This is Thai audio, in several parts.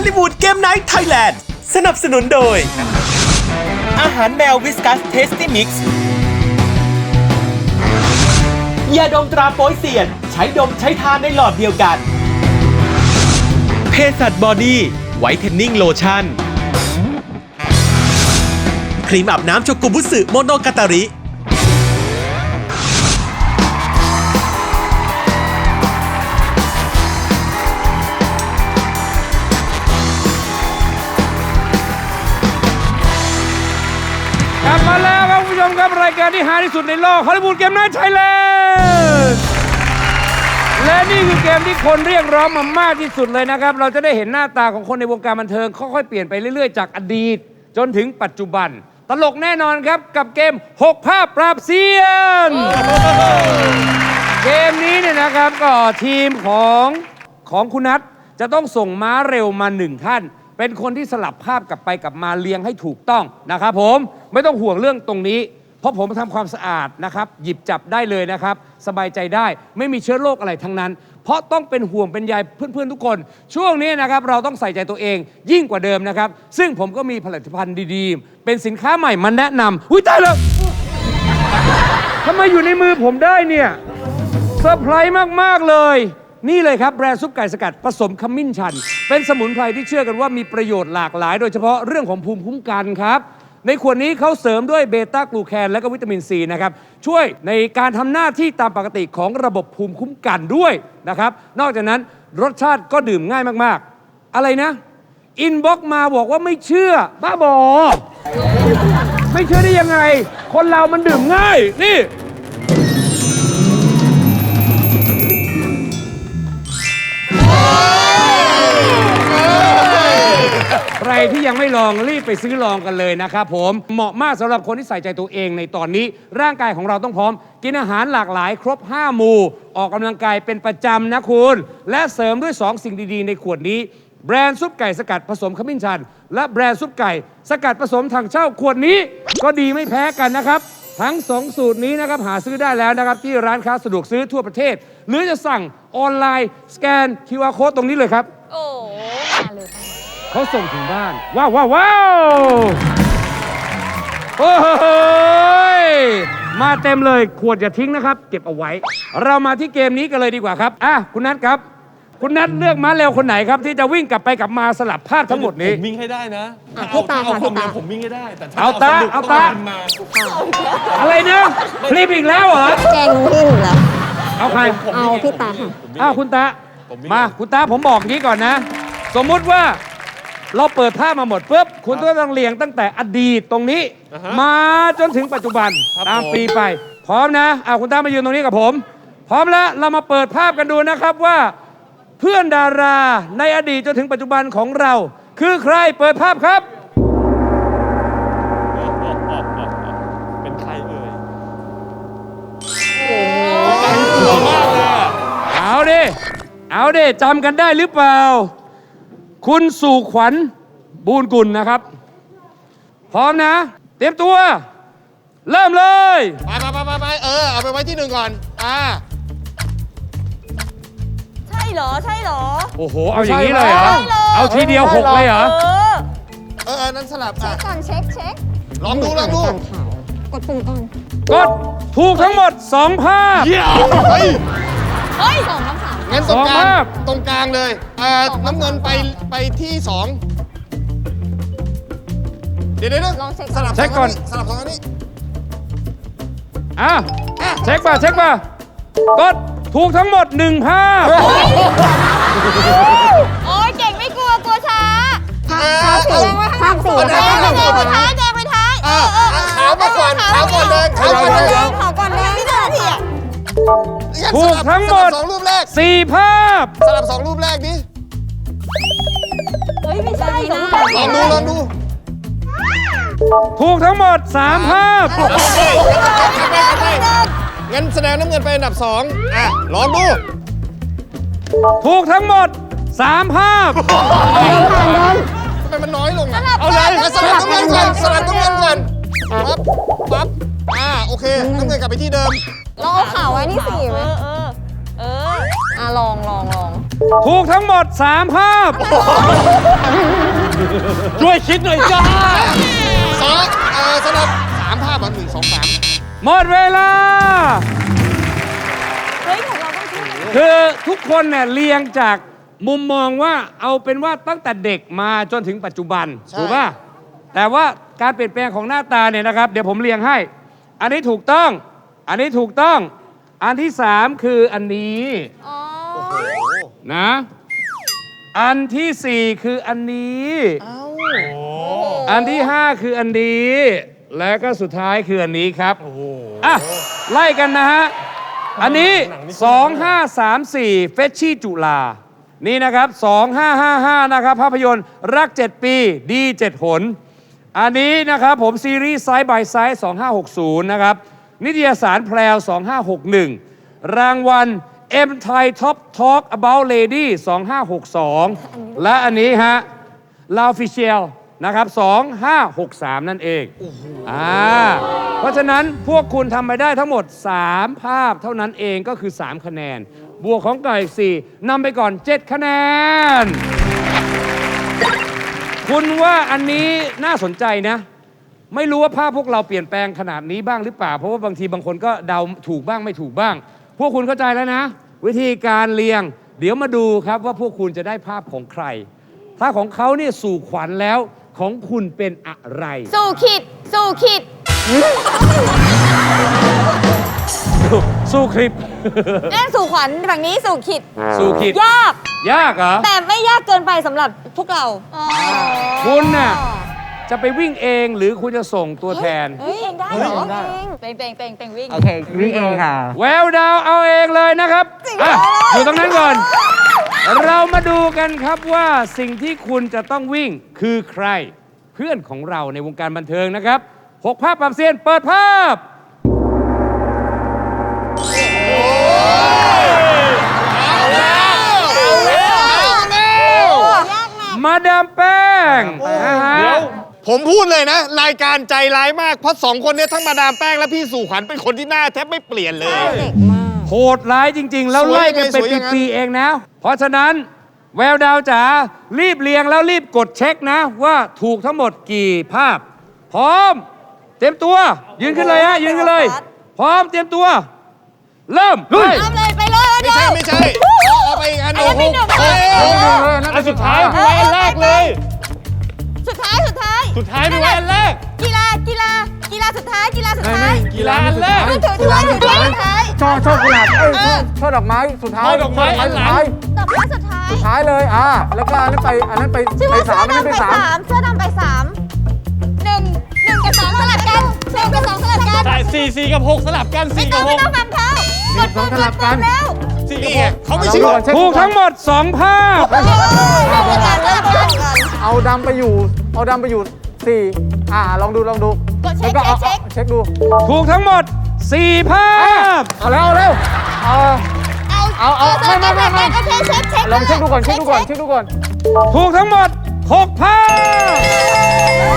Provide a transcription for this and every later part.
ลิวูดเกมไนท์ไทยแลนด์สนับสนุนโดยอาหารแมววิสกัสเทสตี้มิกซ์ยาดมตราโป๊ยเซียนใช้ดมใช้ทานในหลอดเดียวกันเภสัชบอดี้ไวท์เทนนิ่งโลชั่นครีมอาบน้ำโชกุบุสึโมโนกาตาริกลับมาแล้วครับคุณผู้ชมครับรายการที่ฮาที่สุดในโลกฮอลลีวูดเกมไนท์ไทยแลนด์และนี่คือเกมที่คนเรียกร้องมามากที่สุดเลยนะครับเราจะได้เห็นหน้าตาของคนในวงการบันเทิงค่อยๆเปลี่ยนไปเรื่อยๆจากอดีตจนถึงปัจจุบันตลกแน่นอนครับกับเกม6ภาพปราบเซียนเกมนี้เนี่ยนะครับก็ทีมของคุณนัทจะต้องส่งม้าเร็วมา1ท่านเป็นคนที่สลับภาพกลับไปกลับมาเรียงให้ถูกต้องนะครับผมไม่ต้องห่วงเรื่องตรงนี้เพราะผมทำความสะอาดนะครับหยิบจับได้เลยนะครับสบายใจได้ไม่มีเชื้อโรคอะไรทั้งนั้นเพราะต้องเป็นห่วงเป็นใยเพื่อนๆทุกคนช่วงนี้นะครับเราต้องใส่ใจตัวเองยิ่งกว่าเดิมนะครับซึ่งผมก็มีผลิตภัณฑ์ดีๆเป็นสินค้าใหม่มาแนะนำอุ้ยตายแล้วทำไมอยู่ในมือผมได้เนี่ยเซอร์ไพรส์มากๆเลยนี่เลยครับแบรนด์ซุปไก่สกัดผสมขมิ้นชันเป็นสมุนไพรที่เชื่อกันว่ามีประโยชน์หลากหลายโดยเฉพาะเรื่องของภูมิคุ้มกันครับในขวดนี้เขาเสริมด้วยเบต้ากลูแคนและก็วิตามินซีนะครับช่วยในการทำหน้าที่ตามปกติของระบบภูมิคุ้มกันด้วยนะครับนอกจากนั้นรสชาติก็ดื่มง่ายมากๆอะไรนะอินบ็อกมาบอกว่าไม่เชื่อบ้าบอไม่เชื่อได้ยังไงคนเรามันดื่มง่ายนี่ใครที่ยังไม่ลองรีบไปซื้อลองกันเลยนะครับผมเหมาะมากสำหรับคนที่ใส่ใจตัวเองในตอนนี้ร่างกายของเราต้องพร้อมกินอาหารหลากหลายครบ5หมู่ออกกำลังกายเป็นประจำนะคุณและเสริมด้วย2สิ่งดีๆในขวดนี้แบรนด์ซุปไก่สกัดผสมขมิ้นชันและแบรนด์ซุปไก่สกัดผสมถังเช่าขวดนี้ก็ดีไม่แพ้กันนะครับทั้ง2สูตรนี้นะครับหาซื้อได้แล้วนะครับที่ร้านค้าสะดวกซื้อทั่วประเทศหรือจะสั่งออนไลน์สแกน QR Code ตรงนี้เลยครับโอ้มาเลยเขาส่งถึงบ้านว้าวว้าวว้าวโอ้ยมาเต็มเลยขวดอย่าทิ้งนะครับเก็บเอาไว้เรามาที่เกมนี้กันเลยดีกว่าครับคุณนัทครับคุณนัทเลือกม้าเร็วคนไหนครับที่จะวิ่งกลับไปกลับมาสลับภาพทั้งหมดนี้ผมวิ่งให้ได้นะพี่ตาค่ะพี่ตาผมวิ่งให้ได้แต่เอาตาอะไรเนี่ยคลิปอีกแล้วเหรอแกงวิ่งแล้วเอาใครเอาพี่ตาค่ะคุณตามาคุณตาผมบอกงี้ก่อนนะสมมุติว่าเราเปิดภาพมาหมดปุ๊บคุณต้องเรียงตั้งแต่อดีตตรงนี้มาจนถึงปัจจุบันตามปีไปพร้อมนะคุณตามายืนตรงนี้กับผมพร้อมแล้วเรามาเปิดภาพกันดูนะครับว่าเพื่อนดาราในอดีตจนถึงปัจจุบันของเราคือใครเปิดภาพครับเป็นใครเอ่ยเอาดิจำกันได้หรือเปล่าคุณสู่ขวัญบูญกุลนะครับพร้อมนะเตรียมตัวเริ่มเลยไปเอาไปไว้ที่หนึ่งก่อนใช่เหรอโอ้โหเอาอย่างนี้เลยเหรอเอาทีเดียว6เลยเหรอนั้นสลับเช็คก่อนเช็คลองดูกดปุ่มก่อนกดถูกทั้งหมด2ภาพเฮ้ย2คำถามงั้นตรงกลางเลยน้ำเงินไปที่2เดี๋ยวลองเช็คสลับก่อนสลับตรงนี้เช็คป่ะกดถูกทั้งหมด1ภาพโอ้ยเก่งไม่กลัวช้าภาพ4แดงไปท้ายขาวมาก่อนขาวก่อนเลยพี่ตาทีถูกทั้งหมด 2รูปแรก 4ภาพสลับ2รูปแรกดิเฮ้ยไม่ใช่นะลองดูถูกทั้งหมด3ภาพงั้นแสดงน้ำเงินไปอันดับ2ลองดูถูกทั้งหมด3ภาพทำไมมันน้อยลงเอาเลยสลับน้ำเงินก่อนปั๊บโอเคน้ำเงินกลับไปที่เดิมลองเอาข่าวไว้นี่4ไหมลองถูกทั้งหมด 3 ภาพช่วยคิดหน่อยจ้าสลับ3 ภาพ1 2 3 หมดเวลาเฮ้ยของเราต้องช่วยกันคือทุกคนเนี่ยเรียงจากมุมมองว่าเอาเป็นว่าตั้งแต่เด็กมาจนถึงปัจจุบัน ถูกป่ะ แต่ว่าการเปลี่ยนแปลงของหน้าตาเนี่ยนะครับ เดี๋ยวผมเรียงให้ อันนี้ถูกต้อง อันนี้ถูกต้อง อันที่ 3 คืออันนี้อ๋อนะ อันที่ 4 คืออันนี้ อันที่ 5 คืออันนี้ และก็สุดท้ายคืออันนี้ครับอ่ะไล่กันนะฮะ อันนี้ 2534 เฟชชี่จุฬานี่นะครับ 2555 นะครับ ภาพยนตร์รัก 7 ปีดี 7 หน อันนี้นะครับผมซีรีส์ไซด์บายไซด์2560 นะครับ นิตยสารแพรว 2561 รางวัล M Thai Top Talk About Lady 2562 และอันนี้ฮะ ลาฟิเชียลนะครับ 2563 นั่นเองเพราะฉะนั้นพวกคุณทำไปได้ทั้งหมด 3 ภาพเท่านั้นเองก็คือ 3 คะแนน บวกของไก่4นำไปก่อน 7 คะแนน คุณว่าอันนี้น่าสนใจนะ ไม่รู้ว่าภาพพวกเราเปลี่ยนแปลงขนาดนี้บ้างหรือเปล่า เพราะว่าบางทีบางคนก็เดาถูกบ้างไม่ถูกบ้าง พวกคุณเข้าใจแล้วนะ วิธีการเรียง เดี๋ยวมาดูครับว่าพวกคุณจะได้ภาพของใคร ถ้าของเขาเนี่ยสู่ขวัญแล้วของคุณเป็นอะไรสู่ขิด สู่ขิดสู้คลิปเล่นสู่ขวัญฝั่งนี้สู่ขิดสู่คิดยากยากเหรอแต่ไม่ยากเกินไปสำหรับพวกเราคุณน่ะจะไปวิ่งเองหรือคุณจะส่งตัวแทนเฮ้ยเองได้เหรอเป็นวิ่งโอเควิ่งเองค่ะแววดาวเอาเองเลยนะครับจริงเหรออยู่ตรงนั้นก่อน เรามาดูกันครับว่าสิ่งที่คุณจะต้องวิ่งคือใคร เพื่อนของเราในวงการบันเทิงนะครับ 6 ภาพปรับเซียนเปิดภาพยากนะมาดามแป้งนะฮะผมพูดเลยนะ รายการใจร้ายมาก เพราะ2 คนเนี้ทั้งมาดามแป้งและพี่สู่ขวัญเป็นคนที่หน้าแทบไม่เปลี่ยนเลยเด็กมากโหดร้ายจริง ๆ แล้วไล่กันเป็นสวยยังไงปีๆเองนะ เพราะฉะนั้นแววดาวจ๋ารีบเรียงแล้วรีบกดเช็คนะ ว่าถูกทั้งหมดกี่ภาพ พร้อม เตรียมตัว ยืนขึ้นเลยฮะ ยืนขึ้นเลย พร้อมเตรียมตัว เริ่มเฮ้ยทำเลยไปเลยเดี๋ยวไม่ใช่ เอาไปอีกอันหนึงอันนั้นเป็นหนึ่งอันสุดท้ายไปไว้อันแรกเลยสุดท้ายสุดท้ายไปไว้อันแรกกีฬาสุดท้าย กีฬาสุดท้ายกีฬาอันแรกสุดท้ายสุดท้ายช่อกุหลาบช่อดอกไม้สุดท้ายช่อดอกไม้อันหลังดอกไม้สุดท้ายสุดท้ายเลยแล้วก็อันนั้นไปชื่อว่าสามอันนั้นไปเสื้อสามดำไป3เสื้อดำไป3 1กับ2สลับกัน1กับ2สลับกันใช่4กับ6สลับกันไม่ 4 ต้กัอบ งไม่ต้อง 6 ฟังเขากดปุ่มกดปุ่มแล้ว 4กับ6เขาไม่ใช่ถูกทั้งหมด 2 ภาพเริ่มกันเริ่มกันเอาดำไปอยู่4ลองดูกดเช็คแล้วก็เช็คเช็คดูถูกทั้งหมด 4 ภาพเอาไม่โอเคเช็คลองเช็คดูก่อนถูกทั้งหมด 6 ภาพ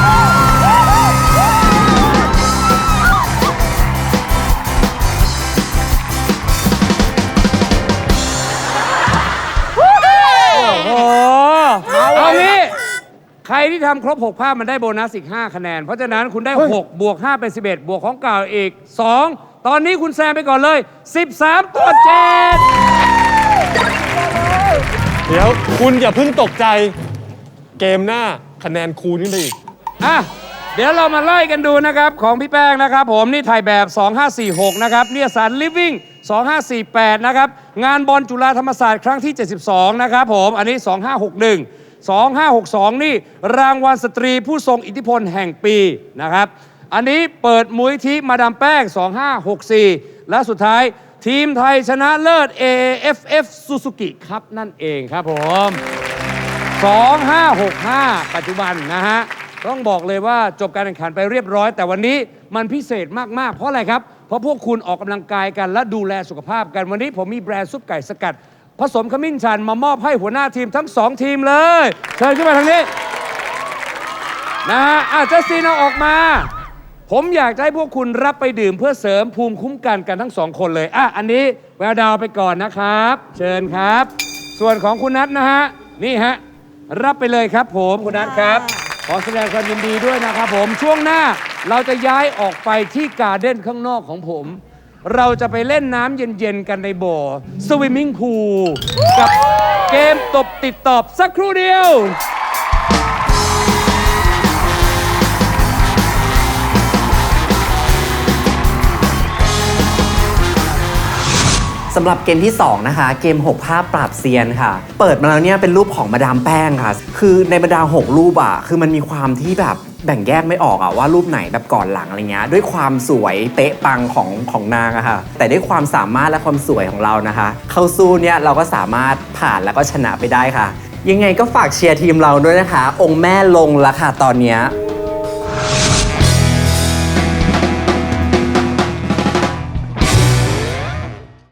โอ้โหเอางี้ใครที่ทำครบ 6 ภาพมันได้โบนัสอีก 5 คะแนน เพราะฉะนั้นคุณได้ 6 บวก 5 เป็น 11 บวกของเก่าอีก 2 ตอนนี้คุณแซงไปก่อนเลย 13 ต่อ 7 เดี๋ยวคุณอย่าเพิ่งตกใจเกมหน้าคะแนนคูณขึ้นไปอีกอ่ะ เดี๋ยวเรามาไล่กันดูนะครับ ของพี่แป้งนะครับผมนี่ถ่ายแบบ 2546 นะครับเนี่ยสาร Living 2548 นะครับ งานบอลจุฬาธรรมศาสตร์ครั้งที่ 72 นะครับผมอันนี้ 2561 2562 นี่รางวัลสตรีผู้ทรงอิทธิพลแห่งปีนะครับ อันนี้เปิดมูลนิธิมาดามแป้ง 2564 และสุดท้ายทีมไทยชนะเลิศ AFF Suzuki ครับนั่นเองครับผม 2565 ปัจจุบันนะฮะ ต้องบอกเลยว่าจบการแข่งขันไปเรียบร้อย แต่วันนี้มันพิเศษมาก ๆ เพราะอะไรครับ เพราะพวกคุณออกกำลังกายกันและดูแลสุขภาพกัน วันนี้ผมมีแบรนด์ซุปไก่สกัด ผสมขมิ้นชันมามอบให้หัวหน้าทีมทั้ง 2 ทีมเลย เชิญขึ้นมาทางนี้ นะฮะจัสตินเอาออกมา ผมอยากจะให้พวกคุณรับไปดื่มเพื่อเสริมภูมิคุ้มกันกันทั้ง 2 คนเลยอันนี้แววดาวไปก่อนนะครับ เชิญครับส่วนของคุณนัทนะฮะ นี่ฮะ รับไปเลยครับผมคุณนัทครับ ขอแสดงความยินดีด้วยนะครับผม ช่วงหน้าเราจะย้ายออกไปที่การ์เด้นข้างนอกของผม เราจะไปเล่นน้ำเย็นๆกันในบ่อสวิมมิ่งพูลกับเกมตบติดตอบสักครู่เดียวสำหรับเกมที่ 2 นะคะ เกม 6 ภาพปราบเซียนค่ะ เปิดมาแล้วเนี่ยเป็นรูปของมาดามแป้งค่ะ คือในบรรดา 6 รูปอะคือมันมีความที่แบบแบ่งแยกไม่ออกอะว่ารูปไหนแบบก่อนหลังอะไรเงี้ยด้วยความสวยเป๊ะปังของนางอะค่ะแต่ด้วยความสามารถและความสวยของเรานะคะ เข้าสู้เนี่ยเราก็สามารถผ่านแล้วก็ชนะไปได้ค่ะ ยังไงก็ฝากเชียร์ทีมเราด้วยนะคะ องค์แม่ลงแล้วค่ะตอนเนี้ย